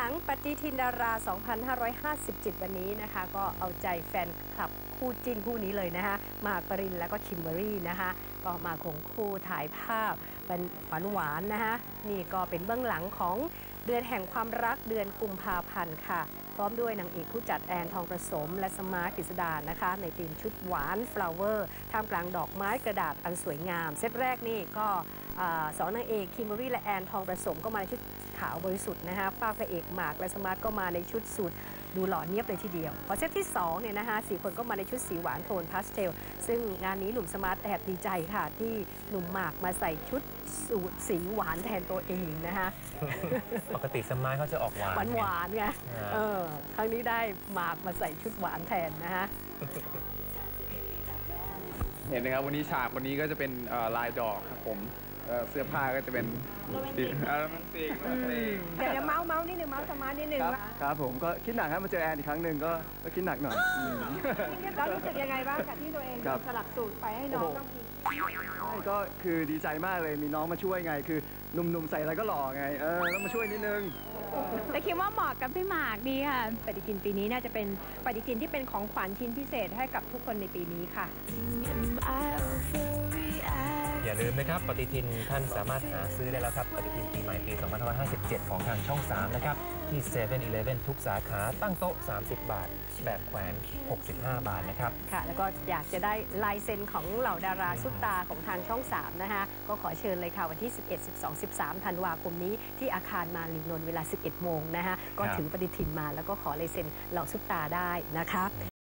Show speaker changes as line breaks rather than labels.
งปฏิทินดารา 2557 วันนี้นะคะก็เอาใจแฟนคลับคู่จิ้นคู่นี้เลยนะคะหมากปรินและก็คิมเบอรรี่นะคะก็มาคงคู่ถ่ายภาพเป็นหวานๆนะคะนี่ก็เป็นเบื้องหลังของเดือนแห่งความรักเดือนกุมภาพันธ์ค่ะพร้อมด้วยนางเอกผู้จัดแอนทองประสมและสมาร์ทกฤษดานะคะในธีมชุดหวานฟลาวเวอร์ท่ามกลางดอกไม้กระดาษอันสวยงามเซตแรกนี่ก็สองนางเอกคิมเบอรรี่และแอนทองประสมก็มาในชุดขาวบริสุทธิ์นะคะฝ้าพระเอกหมากและสมาร์ทก็มาในชุดสูทดูหล่อเนียบเลยทีเดียวพอเซตที่2เนี่ยนะคะ4คนก็มาในชุดสีหวานโทนพาสเทลซึ่งงานนี้หนุ่มสมาร์ทแอบดีใจค่ะที่หนุ่มหมากมาใส่ชุดสูทสีหวานแทนตัวเองนะคะ
ปกติสมาร์ทเขาจะออกหวาน
ไงครั้งนี้ได้หมากมาใส่ชุดหวานแทนนะคะ
เห็นนะครับวันนี้ฉากวันนี้ก็จะเป็นลายดอกครับผมเสื้อผ้าก็จะเป็นโรแมนติก
เดี๋ยวเมาส์นิดนึงเมาส์สมาร์ทนิดนึง
ครับผมก็คิดหนักครับมาเจอแอนอีกครั้งหนึ่งก็คิดหนักหน่อย
แล้วรู้สึกยังไงบ้างกับที่ตัวเองสลักสูตรไปให้น้องต้องกิน
ก็คือดีใจมากเลยมีน้องมาช่วยไงคือหนุ่มๆใส่อะไรก็หล่อไงต้องมาช่วยนิดนึง
แต่คิดว่าเหมาะกับพี่หมากดีค่ะปฏิทินปีนี้น่าจะเป็นปฏิทินที่เป็นของขวัญชิ้นพิเศษให้กับทุกคนในปีนี้ค่ะ
อย่าลืมนะครับปฏิทินท่านสามารถหาซื้อได้แล้วครับปฏิทินปีใหม่ปี 2557 ของทางช่อง 3 นะครับที่ 7-Eleven ทุกสาขาตั้งโต๊ะ30 บาทแบบแขวน65 บาทนะครับ
ค่ะแล้วก็อยากจะได้ลายเซ็นของเหล่าดาราซุปตาของทางช่อง 3 นะคะก็ขอเชิญเลยค่ะวันที่ 11 12 13 ธันวาคมนี้ที่อาคารมารีนนท์เวลา 11 โมงนะคะก็ถือปฏิทินมาแล้วก็ขอลายเซ็นเหล่าซุปตาได้นะคะ